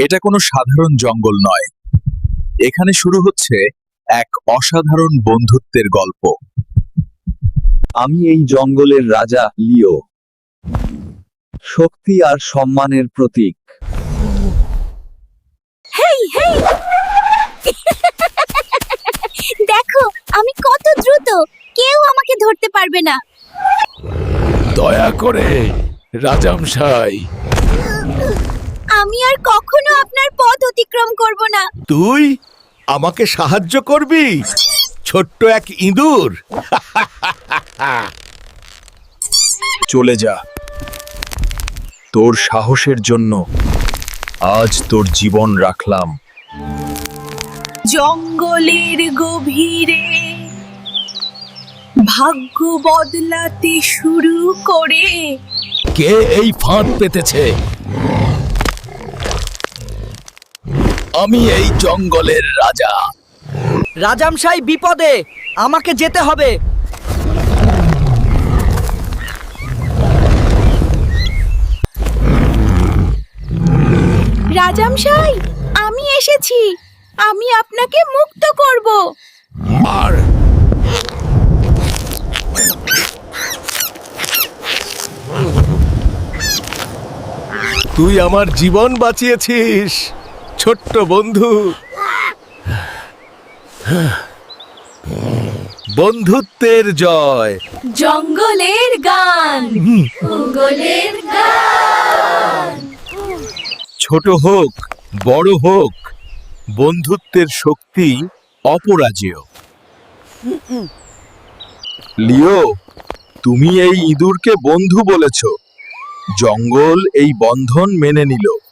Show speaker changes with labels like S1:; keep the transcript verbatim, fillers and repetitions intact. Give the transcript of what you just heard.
S1: এটা কোনো সাধারণ জঙ্গল নয়, এখানে শুরু হচ্ছে এক অসাধারণ বন্ধুত্বের গল্প।
S2: আমি এই জঙ্গলের রাজা, লিও। শক্তি আর সম্মানের প্রতীক।
S3: হেই হেই দেখো আমি কত দ্রুত, কেউ আমাকে ধরতে পারবে না।
S4: দয়া করে রাজামশাই,
S3: আমি আর কখনো আপনার পথ অতিক্রম করব না।
S4: তুই আমাকে সাহায্য করবি, ছোট্ট এক ইঁদুর।
S1: চলে যা, তোর সাহসের জন্য আজ তোর জীবন রাখলাম।
S3: জঙ্গলের গভীরে ভাগ্য বদলাতে শুরু করে।
S4: কে এই ফাঁদ পেতেছে? আমি এই জঙ্গলের রাজা।
S5: রাজামশাই বিপদে, আমাকে যেতে হবে।
S3: রাজামশাই, আমি এসেছি, আমি আপনাকে মুক্ত করব।
S4: আর তুই আমার জীবন বাঁচিয়েছিস, ছোট্ট বন্ধু। বন্ধুত্বের জয়।
S3: জঙ্গলের গান, জঙ্গলের গান।
S1: ছোট হোক বড় হোক, বন্ধুত্বের শক্তি অপরাজেয়। লিও, তুমি এই ইঁদুরকে বন্ধু বলেছ, জঙ্গল এই বন্ধন মেনে নিল।